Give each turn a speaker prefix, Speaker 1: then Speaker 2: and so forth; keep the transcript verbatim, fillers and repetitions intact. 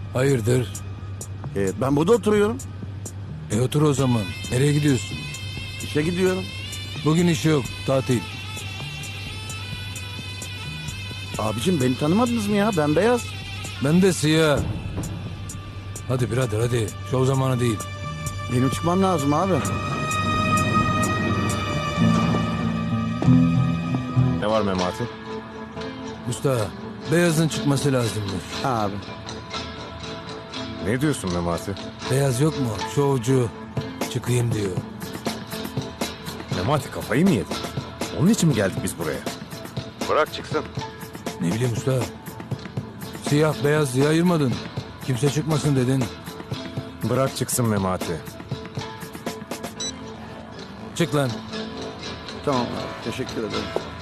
Speaker 1: Hayırdır?
Speaker 2: E, ben burada oturuyorum.
Speaker 1: E otur o zaman. Nereye gidiyorsun?
Speaker 2: İşe gidiyorum.
Speaker 1: Bugün işi yok. Tatil.
Speaker 2: Abicim beni tanımadınız mı ya? Ben beyaz.
Speaker 1: Ben de siyah. Hadi birader hadi. Şov zamanı değil.
Speaker 2: Benim çıkmam lazım abi.
Speaker 3: Ne var Memati?
Speaker 1: Usta, beyazın çıkması lazımmış.
Speaker 2: Abi.
Speaker 3: Ne diyorsun Memati?
Speaker 1: Beyaz yok mu? Şovcu. Çıkayım diyor.
Speaker 3: Memati kafayı mı yedin? Onun için mi geldik biz buraya? Bırak çıksın.
Speaker 1: Ne bileyim usta. Siyah beyaz diye ayırmadın. Kimse çıkmasın dedin.
Speaker 3: Bırak çıksın Memati.
Speaker 1: Çık lan.
Speaker 2: Tamam abi. Teşekkür ederim.